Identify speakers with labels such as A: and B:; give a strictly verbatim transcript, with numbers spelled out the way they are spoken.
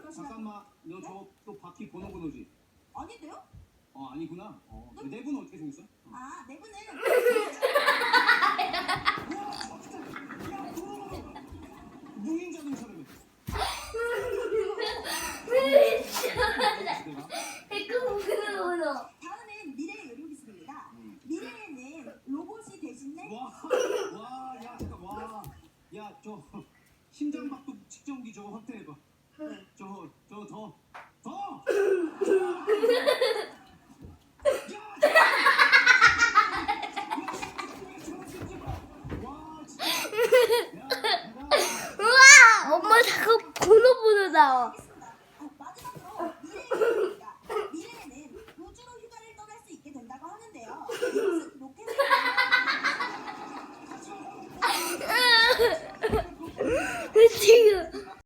A: 잠깐만, 너 저 또 바퀴 번호 번호지?
B: 아닌데요?
A: 어 아니구나. 어, 그 내부는 어떻게 생겼어?
B: 아, 내부는
A: 우와, 진짜. 야, 그거 무인 자동차라며.
B: 다음은 미래의 의료기술입니다. 미래에는 로봇이 대신에
A: 와, 와, 야, 잠깐, 와, 야, 저 심장박동 측정기 저거 확대해봐. 저, 저, 더, 더.
C: 우와! 엄마 자꾸 번호 보는다.
B: 하겠습니다. 어, 마지막으로 미래의 의료입니다. 미래에는 우주로 휴가를 떠날 수 있게 된다고 하는데요. 이것은